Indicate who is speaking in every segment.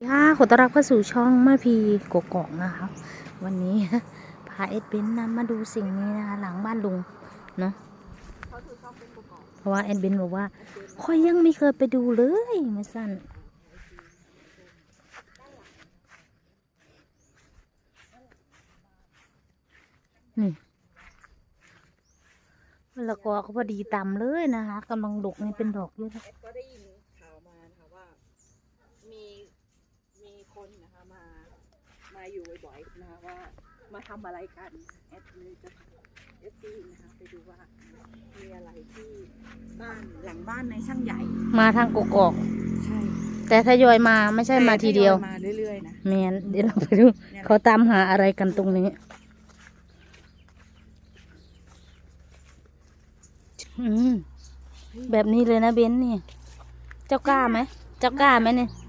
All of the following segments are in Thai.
Speaker 1: ค่ะขอต้อนรับเข้าสู่ช่องมาพีกกอกนะคะวันนี้พาเอ็ดเบนนำมาดูสิ่งนี้นะคะหลังบ้านลุงเนาะเพราะว่าเอ็ดเบนบอกว่าค่อยยังไม่เคยไปดูเลยมาสั้นนี่แล้วก็พอดีตำเลยนะคะกำลังดกนี่เป็นดอกเยอะนะ
Speaker 2: ก็ได้ยินข่าวมานะคะว่ามีคนนะคะมาอยู่บ่อยๆนะคะว่ามาทำอะไรกันแอดเลยจะเอฟซีนะคะไปดูว่ามีอะไรที่บ้านหลังบ้านในช่างใหญ่
Speaker 1: มาทางกกอก
Speaker 2: ใช่
Speaker 1: แต่ทยอยมาไม่ใช่มาทีเดียว
Speaker 2: มาเรื่อยๆนะ
Speaker 1: แมนเดี๋ยวเราไปดูเขาตามหาอะไรกันตรงนี้แบบนี้เลยนะเบนนี่เจ้ากล้าไหมเจ้ากล้าไหมเนี่ย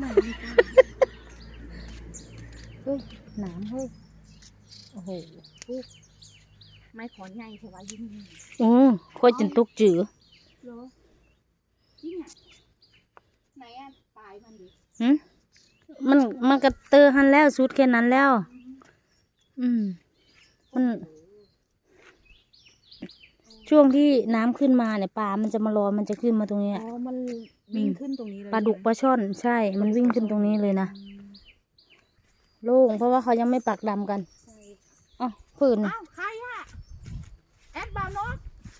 Speaker 1: เฮ้ยหนามเฮ้ยโอ้โห
Speaker 2: ไม่ขอนใหญ่ใช่ไหมยิ่ง
Speaker 1: ค่อยจนตุกจือ
Speaker 2: เหรอจริงอ่ะไหนอ่ะปลายมันดิ
Speaker 1: มันกระเตอหันแล้วสุดแค่นั้นแล้วมันช่วงที่น้ำขึ้นมาเนี่ยปลามันจะมารอมันจะขึ้นมาตรงนี้
Speaker 2: อ๋อมันวิ่งขึ้นตรงนี้เลย
Speaker 1: ปลาดุกปลาช่อนใช่มันวิ่งขึ้นตรงนี้เลยนะโล่งเพราะว่าเขายังไม่ปักดำกันอ๋อผื่น
Speaker 2: อ้าวใครอะแอดบาวนก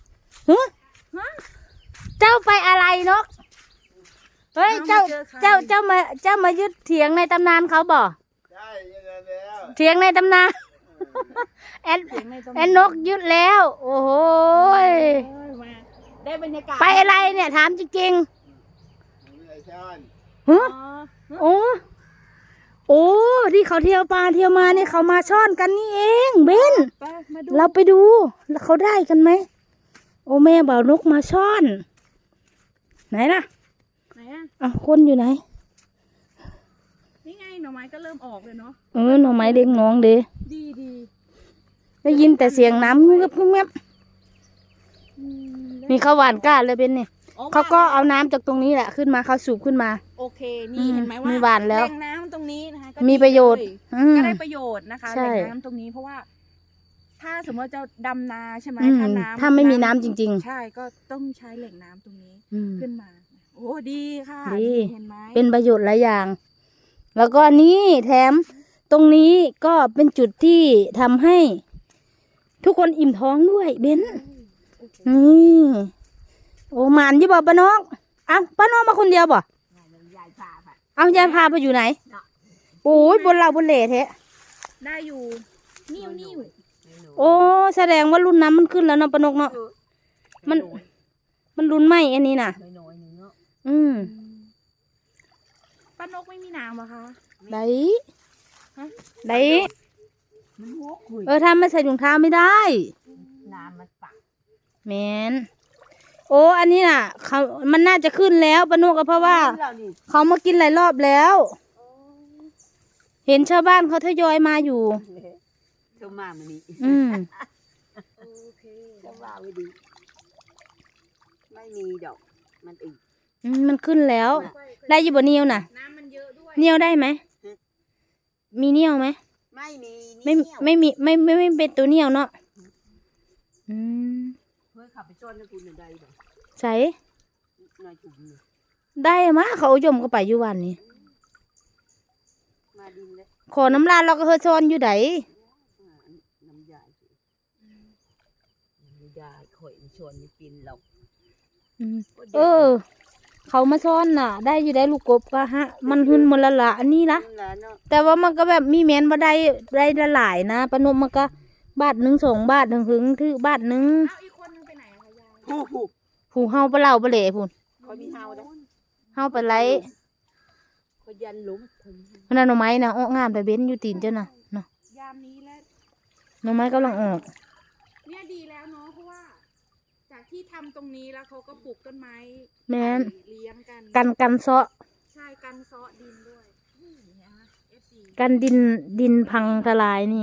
Speaker 1: เจ้าไปอะไรนกเฮ้ยเจ้ามายึดเถียงในตำนานเขาบ่
Speaker 3: ใช่ยังไงแล้ว
Speaker 1: เถียงในตำนานแอนนกยึดแล้วโอ้โห
Speaker 2: ได้บรรยากาศ
Speaker 1: ไปอะไรเนี่ยถามจริง
Speaker 3: ๆ
Speaker 1: โอ้ที่เขาเที่ยวปลาเที่ยวมาเนี่ยเขามาช่อนกันนี่เองเบนเราไปดูแล้วเขาได้กันไหมโอ้แม่บ่าวนกมาช่อนไหนล่ะคนอยู่ไหน
Speaker 2: นี่ไงหน่อไม้ก็เริ่มออกเลยเนาะ
Speaker 1: หน่อไม้เด้งน้องเด้
Speaker 2: ดี
Speaker 1: ได้ยินแต่เสียงน้ำเงียบนี่เขาหวานก้าเลยเป็นนี่เขาก็เอาน้ำจากตรงนี้แหละขึ้นมาเขาสูบขึ้นมา
Speaker 2: โอเคนี่เห็นไหมว่า
Speaker 1: มีหวานแล้ว
Speaker 2: แหล่งน้ำตรงนี้นะคะ
Speaker 1: มีประโยชน์
Speaker 2: ก็ได้ประโยชน์นะคะแหล่งน้ำตรงนี้เพราะว่าถ้าสมมติจะดำนาใช่ไหม
Speaker 1: ถ้าไม่มีน้ำจริง
Speaker 2: ๆใช่ก็ต้องใช้แหล่งน้ำตรงนี้ขึ้นมาโอ้ดีค่ะ
Speaker 1: ดี
Speaker 2: เห็นไหม
Speaker 1: เป็นประโยชน์หลายอย่างแล้วก็นี่แถมตรงนี้ก็เป็นจุดที่ทำให้ทุกคนอิ่มท้องด้วยเบนนี่โอ้หมานยี่บ่ป้าน้องป้าน้องมาคนเดียวบ่เอายายพาไปอยู่ไหนโอ้ยบนเราบนเหล่แท้
Speaker 2: ได้อยู่นิ่ว
Speaker 1: โอ้แสดงว่ารุ่นน้ำมันขึ้นแล้วเนาะป้านกเนาะมันรุ่นใหม่อันนี้น่ะ
Speaker 2: ป้านกไม่มีน้ำเหรอคะ
Speaker 1: ได้ถ้าไม่ใส่ถุงเท้าไม่ได้
Speaker 2: น้ำมันปัก
Speaker 1: แมนโอ้อันนี้น่ะมันน่าจะขึ้นแล้วป้านกก็เพราะว่าเขามากินหลายรอบแล้วเห็นชาวบ้านเขาทยอยมาอยู่
Speaker 2: เจ้ามามันนี่โอเคเจ้าว่าไม่ดีไม่มีดอกมันอีก
Speaker 1: มันขึ้นแล้วได้อยู่บนเนียวน่ะ
Speaker 2: น้ำมันเยอะด้วย
Speaker 1: เนียวได้ไหมมีเนียวไหมไม่มีไม่เป็นตัวเนียวเนาะ
Speaker 2: เฮ้ยขับไปจอดในคุณได้บ่
Speaker 1: ใส่ได้มะเขายมก็ไปอยู่วันนี้ขอน้ำลายเราก็เฮอซอนอยู่ไหน
Speaker 2: น้ำยาข่อยชวนไม่กินหรอก
Speaker 1: เขามาซ่อนน่ะได้อยู่ได้ลูกกบก็ฮะมันหึนมันละอันนี้ละแต่ว่ามันก็แบบมีแมนมาได้ละหลายนะปนมมันก็บาท1 2 บาทถึงที่บาท1
Speaker 2: อีกคนนึงไปไหนอะยาย
Speaker 1: ผู้เฮาปลาเหล่าปลาเหล่พูน
Speaker 2: เขามีเฮาได้
Speaker 1: เฮาไปไล่
Speaker 2: เขายันหลุม
Speaker 1: มันน่ะหน่อไม้นะออกงามแต่เบ้นอยู่ตีนเจ้าน่ะเนาะ
Speaker 2: ยามนี้แล้ว
Speaker 1: หน่อไม้กำลังออก
Speaker 2: เนี่ยดีแล้วเนาะเพราะว่าจากที่ทำตรงนี้แล้วเขาก็ปลูกต้นไม้
Speaker 1: แม่น
Speaker 2: เลี้ยง
Speaker 1: กันเซาะ
Speaker 2: ใช่กันเซาะดินด้วย
Speaker 1: กันดินพังทลายนี่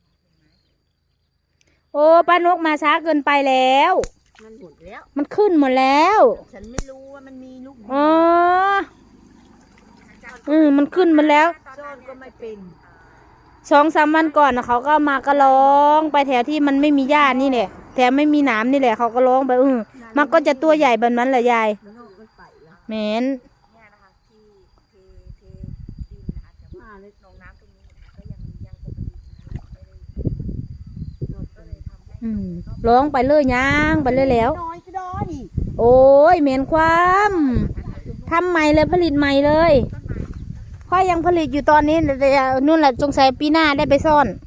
Speaker 1: โอ้ป้านกมาช้าเกินไปแล้ว
Speaker 2: มันหมดแล้ว
Speaker 1: มันขึ้นหมดแล้ว
Speaker 2: ฉันไม่รู้ว่ามันมีลูก
Speaker 1: อ๋อมันขึ้นมาแล้ว
Speaker 2: ซ่อนก็ไม่เป็น
Speaker 1: 2-3 วันก่อนนะเขาก็มาก็ร้องไปแถวที่มันไม่มีหญ้านี่แหละแถวไม่มีหนามนี่แหละเขาก็ร้องไปมันก็จะตัวใหญ่แบบนั้นแหละยาย
Speaker 2: มันออกมันไปแล้ว
Speaker 1: แมน
Speaker 2: เนี่ยนะคะที่เทดินนะคะแต่ว่าหนองน้ำตรงนี้นะคะก็ยังปกตินะคะไม่ได้โดนก็เลยทำให้
Speaker 1: ร้องไปเลยย่างไปเลยแล้ว
Speaker 2: น้อยก็ได้ดิ
Speaker 1: โอ้ยเหม็นความทำใหม่เลยผลิตใหม่เลยค่อยยังผลิตอยู่ตอนนี้แต่นู่นแหละสงสัยปีหน้าได้ไปซ่อน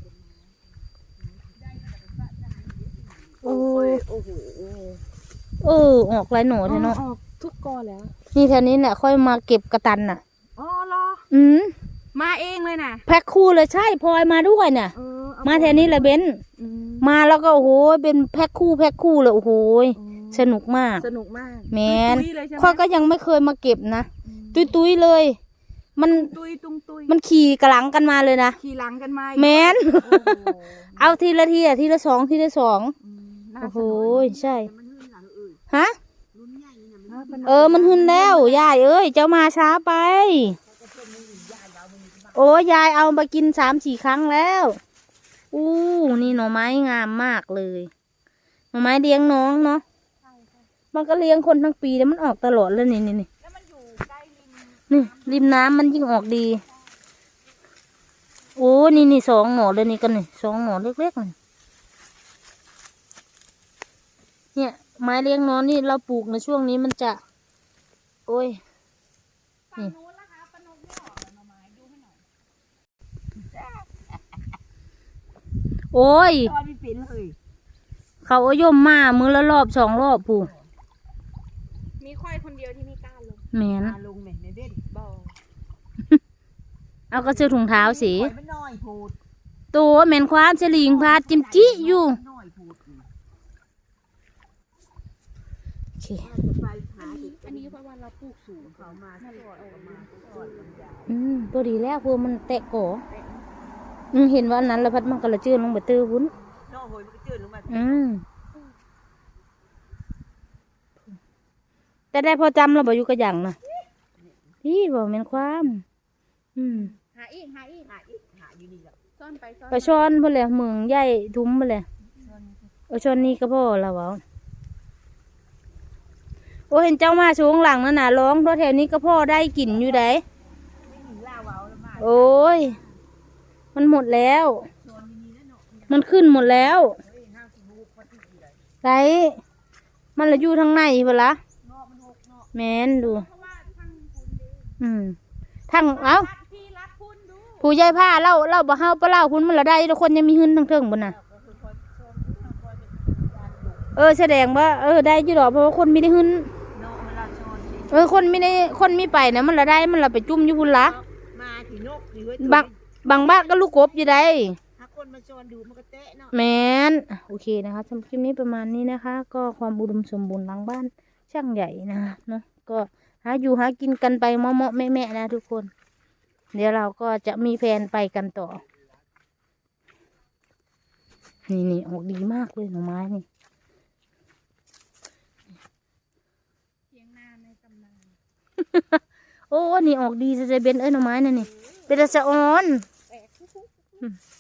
Speaker 1: โอ้ย
Speaker 2: โอ้โห
Speaker 1: ออกหลายหน่อเลยเนาะ
Speaker 2: ออกทุกกอแล้ว
Speaker 1: นี่แถวนี้แหละค่อยมาเก็บกระตันน่ะ
Speaker 2: อ๋อเหรอ มาเองเลยนะ
Speaker 1: แพ็คคู่เลยใช่พลอยมาด้วยเนี่ยมาแถวนี้แหละเบนมาแล้วก็โอ้โหเป็นแพ็คคู่เลยโอ้โหสนุกมาก
Speaker 2: สนุกมาก
Speaker 1: แมน
Speaker 2: ตุ้ยเลยใช่ไหม
Speaker 1: ค่อยก็ยังไม่เคยมาเก็บนะตุยเลย มัน
Speaker 2: ตุ้ยตุ้งตุ้ย
Speaker 1: มันขี่กระหลังกันมาเลยนะ
Speaker 2: ขี่หลังกันมา
Speaker 1: แมน
Speaker 2: โอ้โห
Speaker 1: เอาทีละทีทีละสอง
Speaker 2: น่า
Speaker 1: โอ้โห
Speaker 2: สนุก
Speaker 1: ใช่
Speaker 2: มันหื้นหลังเอ่ย
Speaker 1: ฮะ
Speaker 2: รุ่นใหญ่นะมัน
Speaker 1: มันหึนแล้วยายเอ้ยเจ้ามาช้าไปโอ้ยายเอาไปกิน3-4 ครั้งแล้วนี่หน่อไม้งามมากเลยหน่อไม้เลี้ยงน้องเนาะมันก็เลี้ยงคนทั้งปีแล้วมันออกตลอดเลยนี่
Speaker 2: แล้วมันอยู่ใกล้ริม
Speaker 1: นี่ริมน้ำมันยิ่งออกดีโอ้นี่2 หน่อเลยนี่กันนี่2 หน่อเล็กๆนี่เนี่ยไม้เลี้ยงน้องนี่เราปลูกในช่วงนี้มันจะโอ้ย
Speaker 2: ฝั่งนู้นนะคะปนกไม่ออกหน่อไม้ดูให้หน่อย
Speaker 1: โอ้ย
Speaker 2: ตอนไม่เป็นเลย
Speaker 1: เขาเอาย่มมามือละรอบ2 รอบผู้
Speaker 2: มีค่อยคนเดียวที่ไม่กล้าลง
Speaker 1: แมน
Speaker 2: ลงแม่ในเบ็ดบ่
Speaker 1: เอากระเสื้อถุงเท้าสี
Speaker 2: ไม่น้อยพูด
Speaker 1: ตัวแมนความสลิงพาดจิมจิอยู่
Speaker 2: น้อยพูด
Speaker 1: โอเค
Speaker 2: อันนี้เพราะว่าเราปลูกสูงเขามาถ้าลอยออกมาก่อนลำไย
Speaker 1: ตัวดีแล้วพวกมันแตะก่อเห็นว่าอันนั้นแล้วพัดมันกระเจือนลงไปตื้อวุ้น
Speaker 2: น้องโหยมันก็จืดลงมา
Speaker 1: แต่ได้พอจำเราบอกอยู่กระหยังนะพี่บอกแมนความ
Speaker 2: หาอีกหาอยู่นี่แหละซ่อนไปซ่อน
Speaker 1: ไปช้อนเพื่อเลยเมืองใหญ่ทุ้มเพื่อเลยช้อนนี้ก็พอแล้ววะโอ้เห็นเจ้ามาช่วงหลังนั่นน่ะร้องเพราะแถวนี้ก็พ่อได้กลิ่นอยู่ได
Speaker 2: ไม่ถึงล่าเว้าแล้วมา
Speaker 1: โอ้ยมันหมดแล้ว มันขึ้นหมดแล้วไรมันละอยู่ทางในเปล่าแมนดูทั้งผู้ใหญ่ผ้าเล่าบ่เฮาปะเล่าคุณมันละได้ทุกคนยังมีหึ้นทั้งเทิงบนน่ะแสดงว่าได้อยู่ดอกเพราะว่าคนไม่ได้หึ้นคนไม่ได้คนไม่ไปนะมันละได้มันละไปจุ่มอยู่พุ่นละ
Speaker 2: มาถีนกถีเว้ย
Speaker 1: บางบ้านก็ลูกกบอยู่ได้
Speaker 2: ถ้าคนมาชวนดูมันก็เตะเนาะ
Speaker 1: แมนโอเคนะคะสำหรับคลิปนี้ประมาณนี้นะคะ ก็ความอุดมสมบูรณ์หลังบ้านช่างใหญ่นะคะเนาะก็หาอยู่หากินกันไปเมาะๆแม่ๆนะทุกคน เดี๋ยวเราก็จะมีแผนไปกันต่อนี่ออกดีมากเลยหน่อไม้นี่
Speaker 2: เทียงนาในตำนาน
Speaker 1: โอ้นี่ออกดีจะเบนหน่อไม้นั่นนี่เป็นตะสะออน
Speaker 2: แปลก